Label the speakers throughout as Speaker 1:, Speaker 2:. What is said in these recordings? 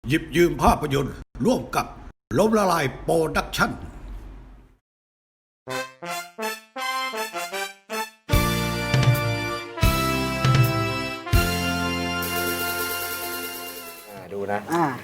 Speaker 1: หยิบยืมภาพยนตร์ร่วมกับล้มละลายโปรดักชั่น
Speaker 2: ดูนะ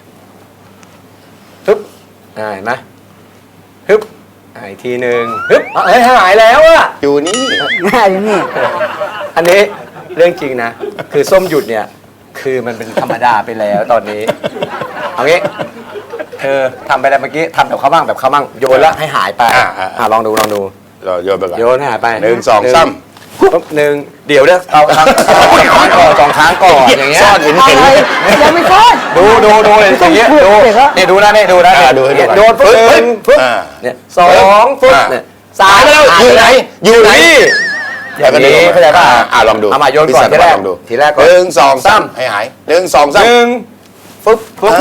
Speaker 2: ฮึบเห็นไหมฮึบอีกทีหนึ่งฮึบเฮ้ยหายแล้วอะ
Speaker 3: อยู่นี่
Speaker 4: อยู่นี่
Speaker 2: อันนี้เรื่องจริงนะคือส้มหยุดเนี่ยคือมันเป็นธรรมดาไปแล้วตอนนี้เอางี้เธอทำไปแล้วเมื่อกี้ทำแบบเขาบ้างแบบเขาบ้างโยนแล้วให้หายไปลองดู
Speaker 3: เราโยนไปก่อน
Speaker 2: โยนให้หายไป
Speaker 3: 1 2 3
Speaker 2: ปุ๊บเดี๋ยวเนี่ยเอาครั้งสองครั้งก่อนอย่างเงี้ย
Speaker 3: ซ่อนเห็น
Speaker 4: ยังไม่ซ่อน
Speaker 2: ดูเลยอย่างเงี้ยดูเนี่ยดูนะเนี่ยดูนะโดนปุ๊บเนี่ย2ปุ๊บเนี่ย3
Speaker 3: แล้วอยู่ไหน
Speaker 2: อย่างนี้เข้าใจป่ะ
Speaker 3: ลองดู
Speaker 2: เอามาโยนก่อนทีแรกก่อน
Speaker 3: 1 2 3ให้หาย1 2 3
Speaker 2: ปุ๊บโอ้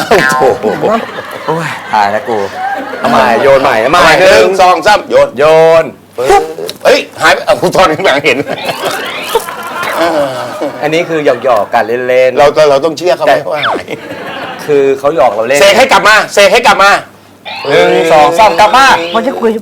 Speaker 2: ยตายแล้วกูเอาใหม่โยนใหม่
Speaker 3: 1 2 3โยนเฮ้ยหายไปคุณตอนข้างหลังเห็น
Speaker 2: อันนี้คือหยอกกันเล่นๆ
Speaker 3: เราต้องเชื่อเขาไหมว่าหาย
Speaker 2: คือเขาหยอกเราเล่น
Speaker 3: เสกให้กลับมา
Speaker 2: 1 2 3กลับมา
Speaker 4: มันจะคุย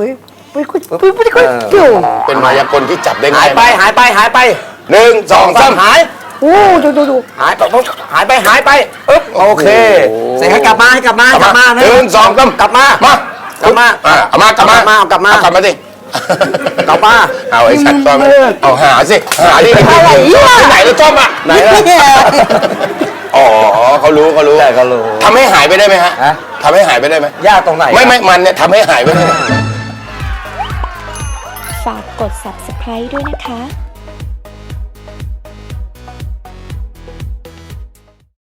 Speaker 3: เป็นมายากลที่จับได้ง่าย
Speaker 2: หายไป
Speaker 3: 1 2 3
Speaker 2: หาย
Speaker 4: ดู
Speaker 2: หายไปโอเคเสกให้กลับมา
Speaker 3: 1 2 3
Speaker 2: กลับมา
Speaker 3: เอามากลับมาสิ
Speaker 2: กลับมา
Speaker 3: เอาไอ้สัตว์ตอนเอาหาดิ
Speaker 4: อะไร
Speaker 3: ไหนแล้วจอมอ่ะ
Speaker 2: ไหน
Speaker 3: อ๋อเขารู้ทำให้หายไปได้ไหมฮะทำให้หายไปได้ไหม
Speaker 2: ยากตรงไหน
Speaker 3: ไม่มันเนี่ยทำให้หายไปได้
Speaker 5: ฝากกด subscribe ด้วยนะคะ